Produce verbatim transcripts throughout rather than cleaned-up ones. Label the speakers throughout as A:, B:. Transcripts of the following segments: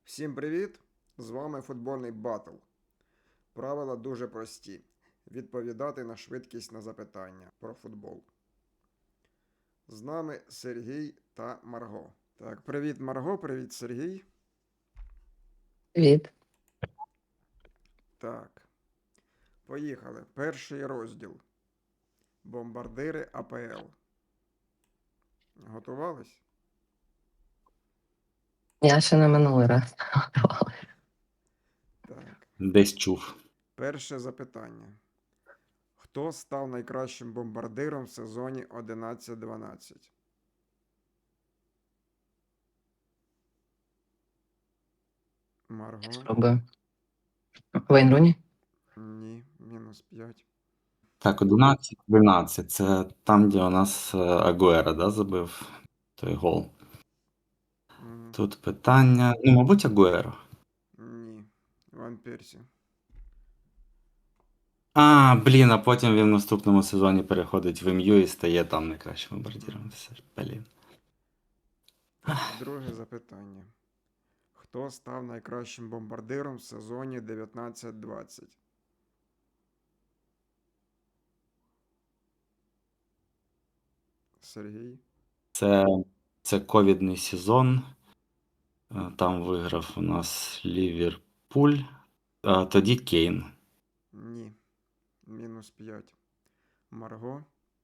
A: Всім привіт! З вами футбольний батл. Правила дуже прості. Відповідати на швидкість на запитання про футбол. З нами Сергій та Марго. Так, привіт, Марго, привіт, Сергій.
B: Привіт.
A: Так. Поїхали. Перший розділ. Бомбардири АПЛ. Готувались?
B: Я ще не минулий раз готувала.
A: Так.
C: Десь чув.
A: Перше запитання. Хто став найкращим бомбардиром в сезоні одинадцять дванадцять? Марго?
B: Спробую. Вейн Руні?
A: Ні, мінус п'ять.
C: Так, одинадцять дванадцять. Це там, де у нас е, Агуера, да, забив той гол.
A: Мгм.
C: Тут питання. Ну, мабуть, Агуеро.
A: Ні. Ван Персі.
C: А, блін, а потім він в наступному сезоні переходить в МЮ і стає там найкращим бомбардиром. Все ж, блін.
A: Друге запитання. Хто став найкращим бомбардиром в сезоні дев'ятнадцять двадцять? Сергій?
C: Це, це ковідний сезон. Е, Там виграв у нас Ліверпуль. А тоді Кейн.
A: Ні. Мінус п'ять. Марго?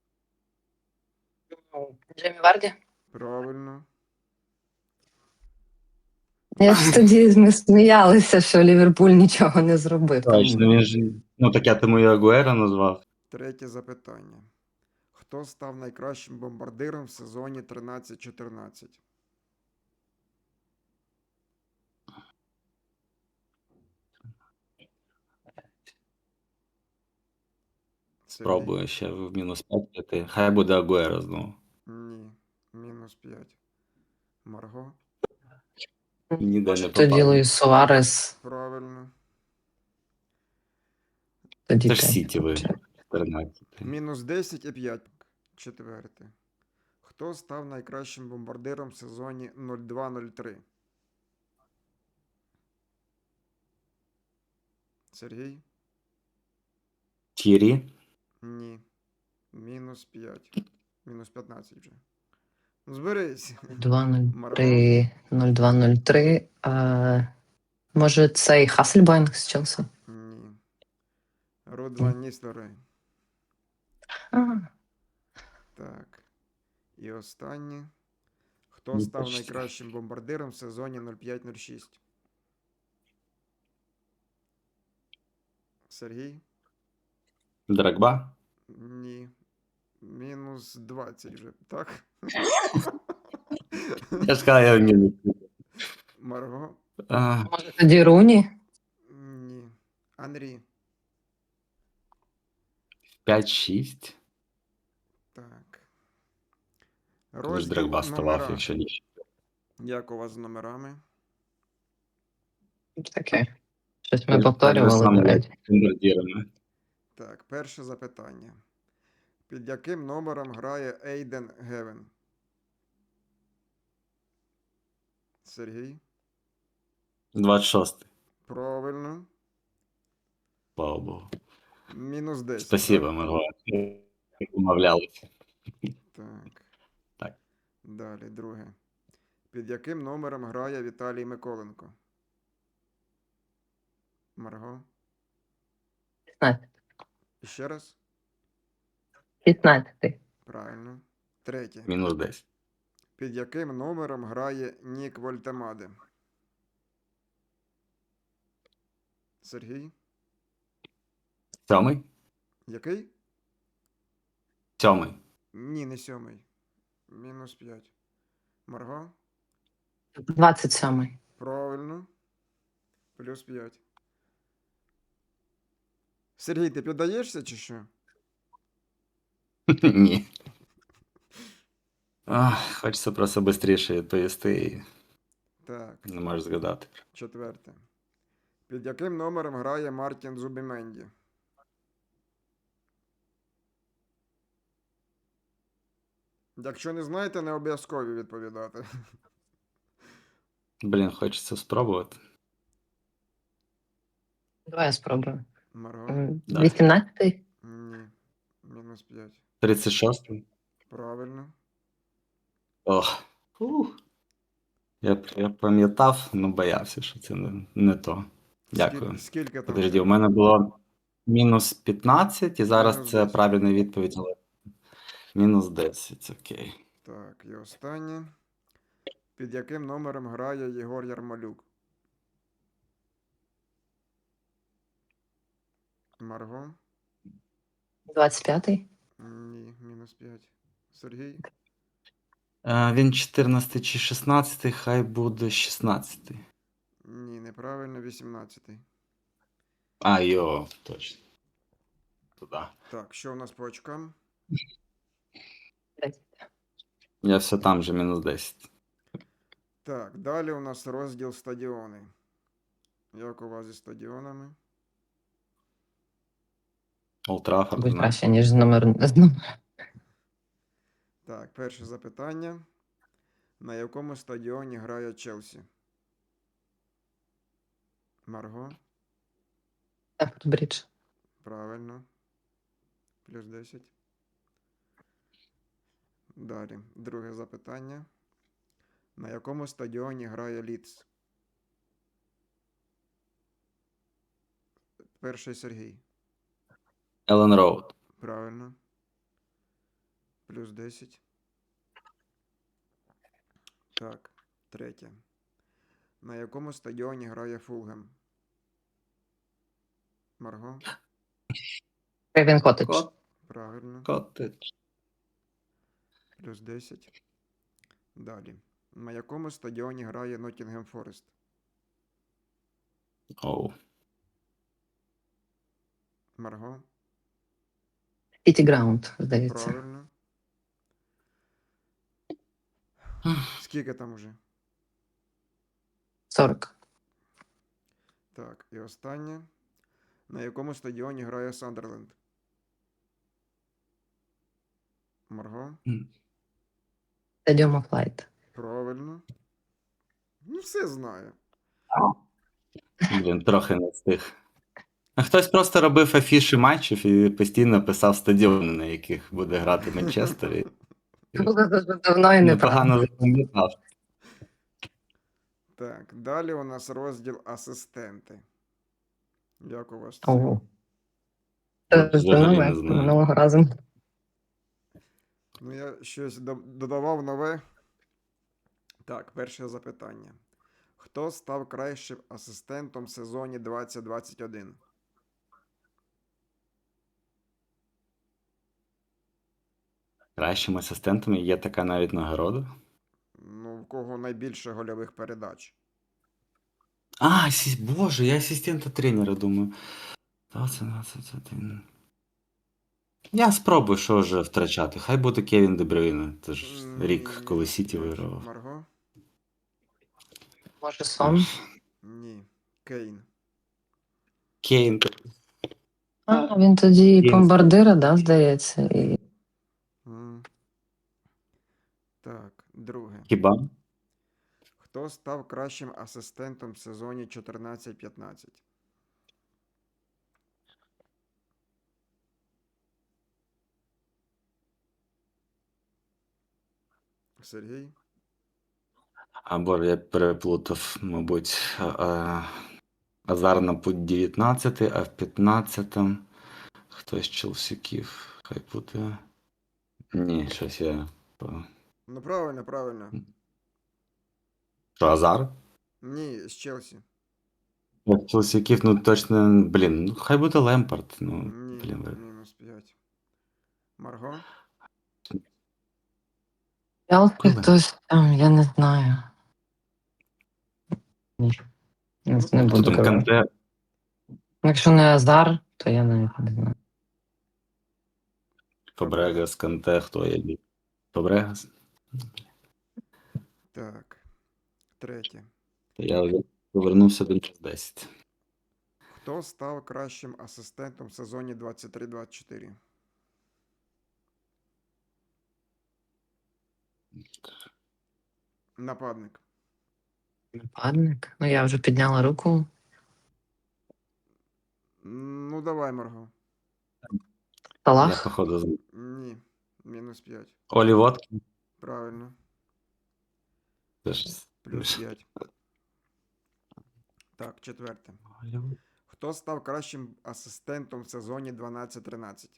B: Джеймі Варді?
A: Правильно.
B: Я ж тоді ми сміялися, що Ліверпуль нічого не зробив.
C: Точно,
B: Тому...
C: він ж. Ну, так я тому і Агуеро назвав.
A: Третє запитання. Хто став найкращим бомбардиром в сезоні тринадцять чотирнадцять? Сергій?
C: Спробую ще в мінус п'ять піти. Хай буде Агуеро знову.
A: Ні. Мінус п'ять. Марго?
C: Ніде
B: Може,
C: не
B: тоді
C: попав.
B: Луїс Суарес,
A: Правильно.
B: тоді
C: Це ж
B: п'ять.
C: Сіті виграв. чотирнадцять.
A: Мінус десять і п'ять. Четверте. Хто став найкращим бомбардиром в сезоні нуль два нуль три? Сергій?
C: Тірі.
A: Ні. Мінус п'ять. Мінус п'ятнадцять вже. Ну, зберись.
B: два нуль три, нуль два нуль три. А, може, цей Хасльбайнг з Челсі?
A: Ні. Руд Ван Ністелрой.
B: А,
A: Так. І останнє. Хто
C: Ну,
A: став
C: почти.
A: найкращим бомбардиром в сезоні нуль п'ять нуль шість? Сергій?
C: Драгба.
A: Ні. Мінус двадцять вже, так?
C: Я ж сказав, я в мінус.
A: Марго?
C: А,
B: може, тоді Руні?
A: Ні. Анрі.
C: п'ять шість.
A: Так.
C: Коли ж
A: Розділ
C: Драгба ставав,
A: номера.
C: якщо ні.
A: Як у вас з номерами?
B: Таке. Щось ми
C: Так же
B: повторювали,
C: само,
B: до
C: як
B: речі.
C: з бомбардирами.
A: Так, перше запитання. Під яким номером грає Ейден Гевен? Сергій?
C: двадцять шість.
A: Правильно.
C: Слава Богу.
A: Мінус десять.
C: Спасибо,
A: так?
C: Марго. Умовлялися.
A: Так.
C: Так.
A: Далі, друге. Під яким номером грає Віталій Миколенко? Марго?
B: п'ятнадцять.
A: І ще раз?
B: п'ятнадцять.
A: Правильно. Третє.
C: Мінус десять.
A: Під яким номером грає Нік Вольтемаде? Сергій?
C: Сьомий?
A: Який?
C: Сьомий.
A: Ні, не сьомий. Мінус п'ять. Марго?
B: двадцять сьомий.
A: Правильно. Плюс п'ять. Сергій, ти піддаєшся чи що?
C: Ні. Ах, хочеться просто швидше відповісти і
A: Так,
C: не можеш згадати.
A: четверте. Під яким номером грає Мартін Зубіменді? Якщо не знаєте, не обов'язково відповідати.
C: Блін, хочеться спробувати.
B: Давай я спробую.
A: Марго?
B: М,
C: Давай.
B: вісімнадцятий?
A: Ні. Мінус п'ять.
C: тридцять шостий.
A: Правильно.
C: Ох. Ух. Я, я пам'ятав, але боявся, що це не, не то. Дякую.
A: Скільки, скільки там
C: Подожди,
A: ще?
C: у мене було мінус п'ятнадцять, і зараз
A: Мінус
C: це
A: десять.
C: правильна відповідь, але мінус десять, окей.
A: Так, і останнє. Під яким номером грає Єгор Ярмолюк? Марго?
B: двадцять п'ятий?
A: Ні, мінус п'ять. Сергій?
C: Е, він чотирнадцятий чи шістнадцятий, хай буде шістнадцятий.
A: Ні, неправильно, вісімнадцятий.
C: А, йо, точно. Туди.
A: Так, що у нас по очкам?
C: Я все там же, мінус десять.
A: Так, далі у нас розділ стадіони. Як у вас зі стадіонами?
C: Олд Траффорд,
B: Будь
C: знаю.
B: краще, ніж з номер. з номер-
A: Так, перше запитання. На якому стадіоні грає Челсі? Марго?
B: Стефорд Брідж.
A: Правильно. Плюс десять. Далі. Друге запитання. На якому стадіоні грає Лідс? Перший Сергій.
C: Еллен Роуд.
A: Правильно. Плюс десять. Так, третє. На якому стадіоні грає Фулгем? Марго?
B: Крейвен Коттедж.
C: Кот,
A: Правильно.
C: Коттедж.
A: Плюс десять. Далі. На якому стадіоні грає Ноттінгем Форест?
C: Оу.
A: Марго?
B: Сіті Граунд, здається.
A: Правильно. Скільки там уже?
B: сорок.
A: Так, і останнє. На якому стадіоні грає Сандерленд? Марго?
B: Стадіум оф Лайт.
A: Правильно. Ну, все знаю.
C: Блін, трохи не встиг. А хтось просто робив афіші матчів і постійно писав стадіони, на яких буде грати Манчестер. І
B: Було дуже давно і неправда.
C: непогано запам'ятав.
A: Так, далі у нас розділ асистенти. Як у вас це?
B: Ого. Це
C: Взагалі
B: це
C: не
B: нове,
C: знаю.
B: минулого разу.
A: Ну, я щось до- додавав нове. Так, перше запитання. Хто став кращим асистентом в сезоні двадцять двадцять один?
C: Кращими асистентами є така навіть нагорода.
A: Ну, в кого найбільше гольових передач?
C: А, асі- боже, я асистента тренера думаю. двадцять двадцять один. Я спробую, що вже втрачати. Хай буде Кевін Де Брюйне. Це ж
A: Ні,
C: рік, коли
A: мінус
C: Сіті
A: п'ять.
C: вигравав.
A: Марго?
B: Може, сон?
A: Ні. Кейн.
C: Кейн.
B: А, він тоді і
C: Він-
B: бомбардира, да, здається. І...
A: М. Так, друге.
C: Хіба?
A: Хто став кращим асистентом в сезоні чотирнадцять п'ятнадцять? Сергій?
C: А, боже, я переплутав, мабуть. А, Азар на путь дев'ятнадцятий, а в п'ятнадцятому хтось з Челсіків. Хай буде. Ні, щось я.
A: Ну, правильно, правильно.
C: Що, Азар?
A: Ні, з Челсі.
C: От Челсіків, ну точно, блін, ну хай буде Лемпард. Ну,
A: Ні,
C: блін, ви-
A: мінус п'ять. Марго?
B: Челсі
C: Коли?
B: хтось там, я не знаю. Ні. Не,
A: Ну,
B: не
C: Хто
B: буду
C: там
B: казати.
C: Канте?
B: Якщо не Азар, то я навіть не знаю.
C: Фабрегас, Канте, хто є? Фабрегас?
A: Так. Третє.
C: Я вже повернувся до мінус десять.
A: Хто став кращим асистентом в сезоні двадцять три двадцять чотири? Нападник.
B: Нападник. Ну, я вже підняла руку.
A: Ну, давай, Марго.
C: Я,
B: Салах.
C: походу, з-
A: Ні. Мінус п'ять.
C: Олі Воткін.
A: Правильно.
C: Теж.
A: Плюс п'ять. Так, четверте.
C: Олі Воткін.
A: Хто став кращим асистентом в сезоні дванадцять тринадцять?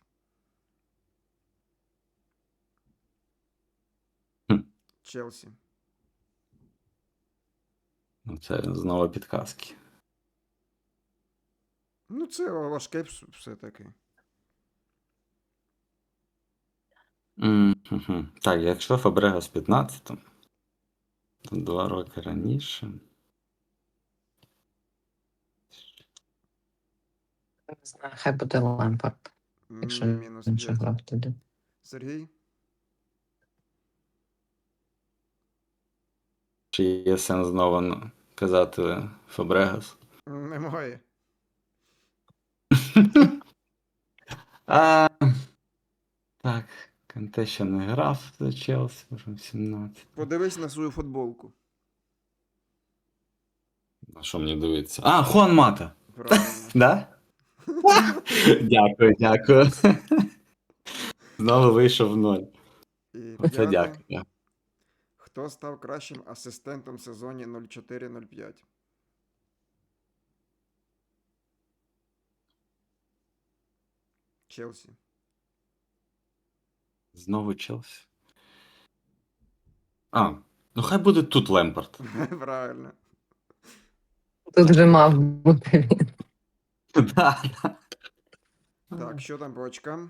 C: Хм.
A: Челсі.
C: Ну, це знову підказки.
A: Ну, це важке вс- все-таки.
C: М-хм-хм. Так, якщо Фабрегас п'ятнадцятому, то два роки раніше.
B: Не знаю, хай буде Лемпард, якщо
A: Ні, мінус
B: він ще
A: п'ять.
B: грав тоді.
A: Сергій?
C: Чи є сенс знову ну, казати Фабрегас?
A: Немає.
C: А, так, Канте ще не грав за Челсі, вже в сімнадцять.
A: Подивись на свою футболку.
C: На що мені дивитися? А, Хуан Мата!
A: Правильно.
C: Да? Дякую, дякую. Знову вийшов в ноль.
A: І
C: Оце
A: п'яте.
C: дякую.
A: Хто став кращим асистентом в сезоні нуль чотири нуль п'ять? Челсі.
C: Знову Челсі. А, ну хай буде тут Лемпард.
A: Правильно.
B: Тут вже мав бути він.
C: Да.
A: Так, що там по очкам?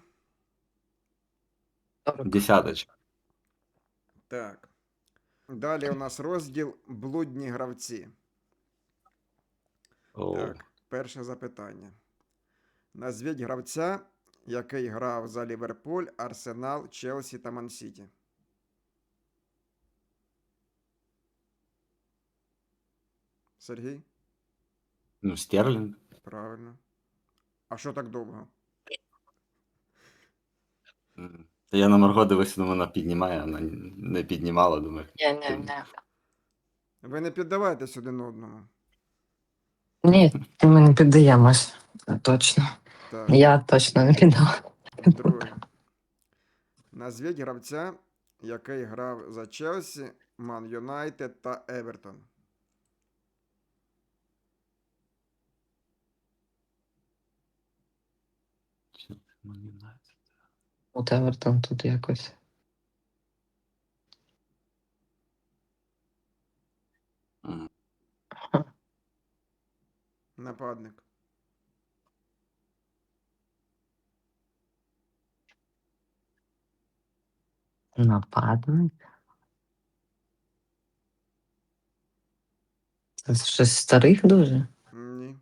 B: сорок.
C: Десяточка.
A: Так. Далі у нас розділ блудні гравці.
C: О,
A: Так, перше запитання. Назвіть гравця, який грав за Ліверпуль, Арсенал, Челсі та Ман-Сіті. Сергій?
C: ну, Стерлінг.
A: Правильно. А що так довго?
C: М. Та я на Марго дивився, думаю, вона піднімає, вона не піднімала, думаю.
B: Ні, ні, ні.
A: Ви не піддавайтесь один одному.
B: Ні, ми не піддаємось. Це точно.
A: Так,
B: Я точно не піддав.
A: друге. Назвіть гравця, який грав за Челсі, Ман Юнайтед та Евертон.
B: От Евертон тут якось.
C: М.
A: Нападник.
B: Нападник. Це щось старих дуже.
A: Ні.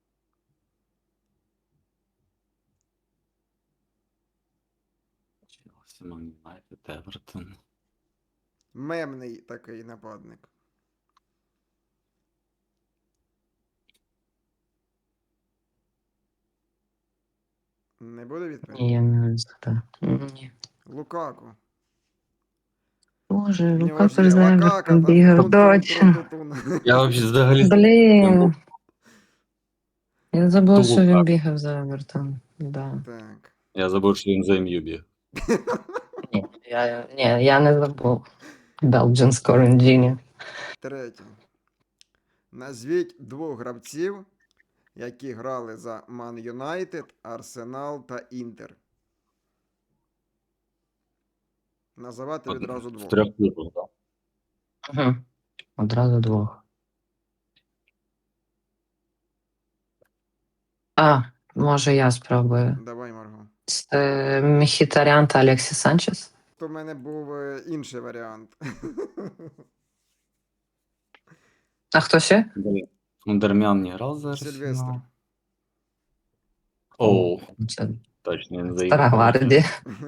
C: Челсі, Ман Юнайтед, Евертон.
A: Мемний такий нападник. Не буде відповіді?
B: Ні, я не знаю. Ні.
A: Лукаку.
B: Боже,
A: В нього
B: Лука
A: ж є Лакака
B: Перезайвер
A: та
B: бігав, точно.
A: тун-тун-тру-ту-тун.
C: Я взагалі взагалі
B: Блін. Я забула, що він
C: Лукаку.
B: бігав за Евертон. Да.
A: Так.
C: Я забув, що він за ем ю біг.
B: Ні, я, ні, я не забув. Belgian Scoring Genius.
A: Третє. Назвіть двох гравців, які грали за Ман Юнайтед, Арсенал та Інтер. Називати відразу
C: В
A: двох.
C: трьох клубах, так.
B: Угу. Одразу двох. А, може я спробую.
A: Давай, Марго.
B: Це Мхітарян та Алексіс Санчес.
A: То в мене був е, інший варіант.
B: А хто ще?
C: Ну, Дармян не грав за
A: Сильвестр.
C: Арсенал. Оу,
B: Це
C: точно він
B: стара
C: заїхав.
B: гвардія.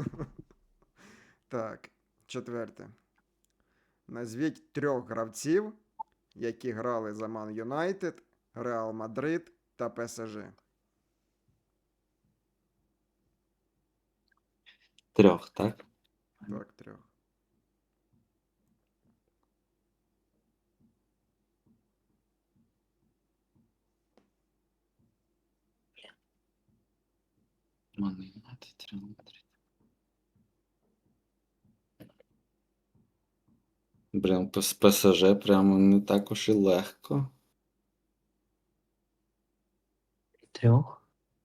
A: Так, четверте. Назвіть трьох гравців, які грали за Ман Юнайтед, Реал Мадрид та ПСЖ.
C: Трьох, так?
A: Так, трьох.
C: Man United, Real Madrid. Блін, з ПСЖ прямо не так уж і легко.
B: Трьох.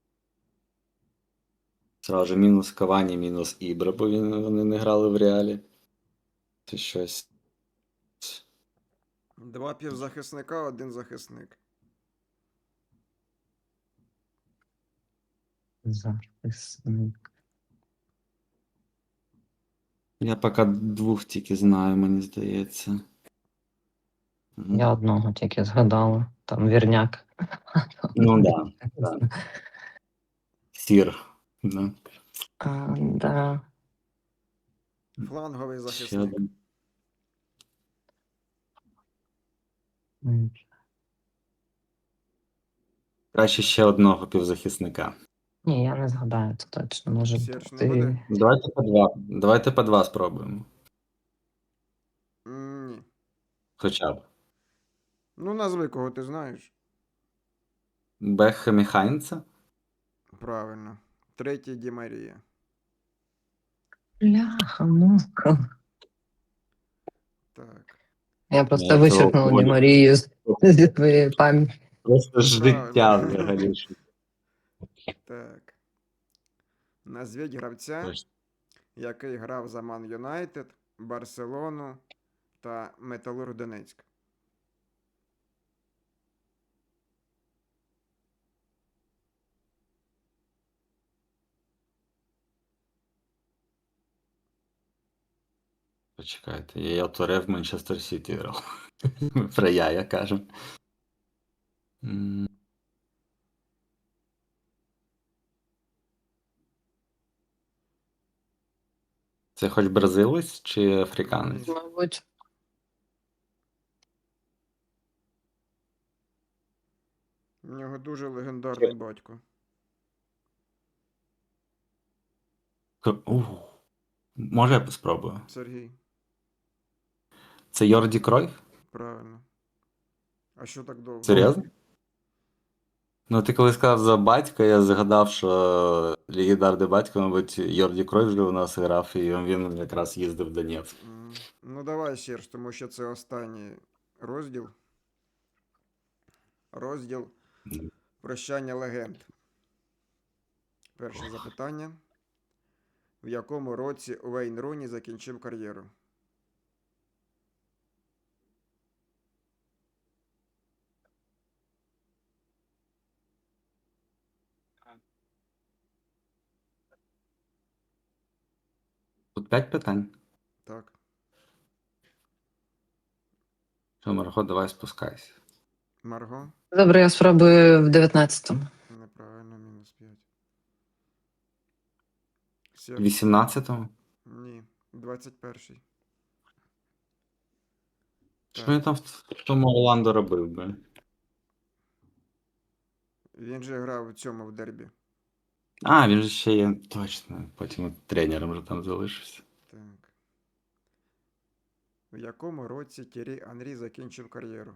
C: Сразу же мінус Кавані, мінус Ібра, бо він, вони не грали в реалі. Це щось.
A: Два півзахисника, один захисник.
B: Захисник.
C: Я поки двох тільки знаю, мені здається. Мгм.
B: Я одного тільки згадала. Там вірняк.
C: Ну да, да. Сір. Да.
B: А, да.
A: Фланговий
C: Ще
A: захисник.
C: один.
B: М,
C: Краще ще одного півзахисника.
B: Ні, я не згадаю, це точно може
A: Серж не
B: бути.
A: буде?
C: Давайте по два. Давайте по два спробуємо.
A: М, Ні.
C: Хоча б.
A: Ну, назви, кого ти знаєш.
C: Бекхем і Хайнца.
A: Правильно. Третій Ді Марія.
B: Бляха, муха.
A: Так.
B: Я просто
C: Я цього
B: вичеркнула Ді
C: волі-
B: Марію з зі твоєї пам'яті.
C: Просто життя
A: Правильно.
C: взагалі. що-
A: Так. Назвіть гравця,
C: Точно.
A: який грав за Ман Юнайтед, Барселону та Металург Донецьк.
C: Почекайте, я Торе в Манчестер Сіті грав. Про я, я кажу. М, Це хоч бразилець чи африканець?
A: Ні.
B: Мабуть.
A: У нього дуже легендарний батько.
C: К- Ух. Може я спробую?
A: Сергій.
C: Це Йорді Кройф?
A: Правильно. А що так довго?
C: Серйозно? Ну, ти коли сказав за батька, я згадав, що легендарний батько, мабуть, Йорді Кройф вже у нас грав, і він якраз їздив в Донецьк.
A: М, Ну, давай, Серж, тому що це останній розділ. Розділ
C: М.
A: Прощання легенд. Перше запитання. В якому році Уейн Руні закінчив кар'єру?
C: Тут п'ять питань.
A: Так,
C: Що, Марго, давай спускайся.
A: Марго?
B: Добре, я спробую в дев'ятнадцятому.
A: Неправильно, мінус п'ять.
C: В
A: Серж?
C: вісімнадцятому?
A: Ні, двадцять перший.
C: Що
A: Так.
C: він там в тому Орландо робив би?
A: Він же грав у цьому в дербі.
C: А, він же ще є, точно, потім тренером вже там залишився.
A: Так. В якому році Тєрі Анрі закінчив кар'єру?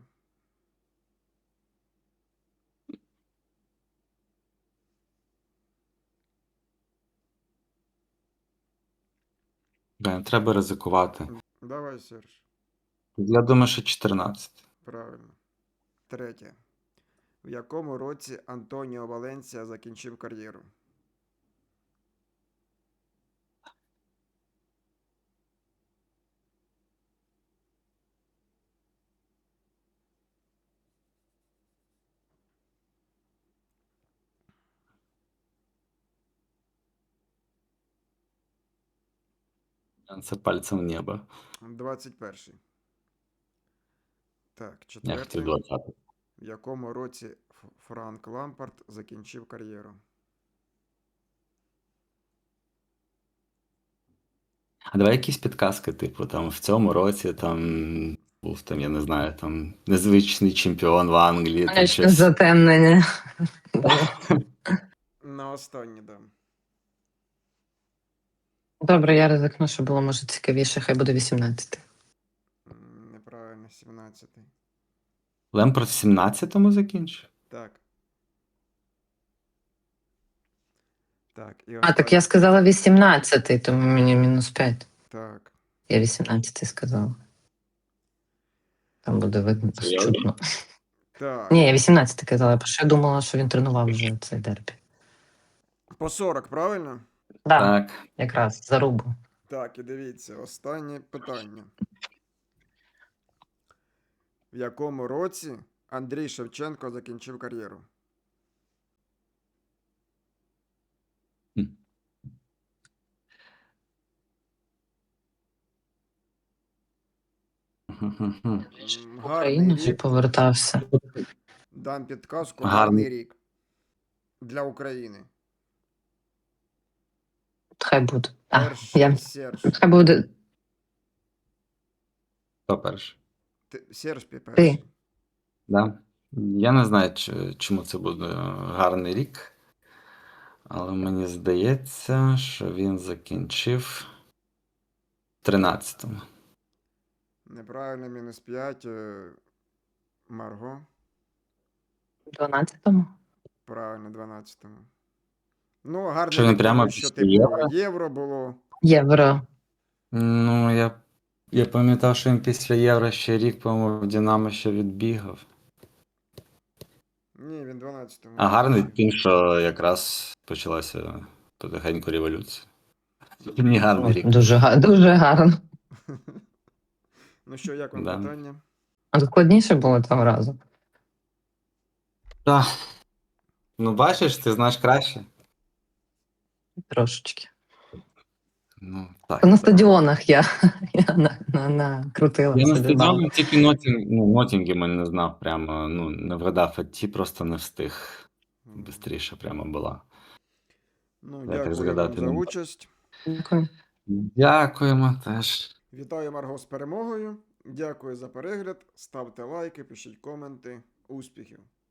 C: Блін, треба ризикувати.
A: Давай, Серж.
C: Я думаю, що чотирнадцять.
A: Правильно. Третє. В якому році Антоніо Валенсія закінчив кар'єру?
C: Це пальцем в небо.
A: двадцять перший. Так,
C: Я
A: четверте.
C: хотів двадцятий.
A: В якому році Ф- Франк Лампард закінчив кар'єру?
C: А давай якісь підказки, типу, там в цьому році там був там, я не знаю, там незвичний чемпіон в Англії, там
B: Сонячне
C: щось.
B: затемнення.
A: На останній дам.
B: Добре, я ризикну, що було може цікавіше, хай буде вісімнадцятий.
A: М, Неправильно, сімнадцятий.
C: Лемпорт в сімнадцятому закінчив?
A: Так. Так, і
B: А, так
A: останнє.
B: я сказала вісімнадцятий, тому мені мінус п'ять.
A: Так.
B: Я вісімнадцятий сказала. Там буде видно
C: Серйозно?
B: чутно.
A: Так.
B: Ні, я вісімнадцятий казала, бо ще я думала, що він тренував вже цей дербі.
A: По сорок, правильно?
B: Да,
C: Так.
B: якраз зарубу.
A: Так, і дивіться, останнє питання. В якому році Андрій Шевченко закінчив кар'єру?
C: Мгм.
A: М,
B: В
A: Гарний
B: Україну ще
A: рік.
B: повертався.
A: Дам підказку.
C: Гарний.
A: Гарний рік. Для України.
B: Хай буде. А,
A: Перший
B: я...
A: Серж.
B: Хай буде
C: Хто перший?
A: Ти- Серж пі- перший.
C: Да. Я не знаю, чи- чому це буде гарний рік, але мені здається, що він закінчив в тринадцятому.
A: Неправильно, мінус п'ять. Марго.
B: в дванадцятому.
A: Правильно, дванадцятому. Ну, гарний
C: Що він
A: рік,
C: прямо
A: тому що,
C: після
A: типу,
C: Євро?
A: євро було.
B: Євро.
C: Ну, я, я пам'ятав, що він після Євро ще рік, по-моєму, в Динамо ще відбігав.
A: Ні, він дванадцятому.
C: А гарний
A: закінчив.
C: тим, що якраз почалася потихеньку революція. Не гарний рік.
B: Дуже, га- дуже гарно.
A: Ну що, як вам
C: Да.
A: питання?
B: А складніше було того разу.
C: Так. Ну, бачиш, ти знаєш краще.
B: Трошечки.
C: Ну, так.
B: На
C: так.
B: стадіонах я, я на, на, накрутила
C: Я на
B: собі бал.
C: стадіоні тільки Нотінг, ну, Нотінгема не знав прямо, ну, не вгадав, а ті просто не встиг. Бистріше прямо була.
A: Ну,
C: так
A: дякую вам
C: згадати
A: за
C: не можу.
A: участь.
B: Дякую.
C: Дякуємо теж.
A: Вітаю Марго з перемогою. Дякую за перегляд. Ставте лайки, пишіть коменти. Успіхів!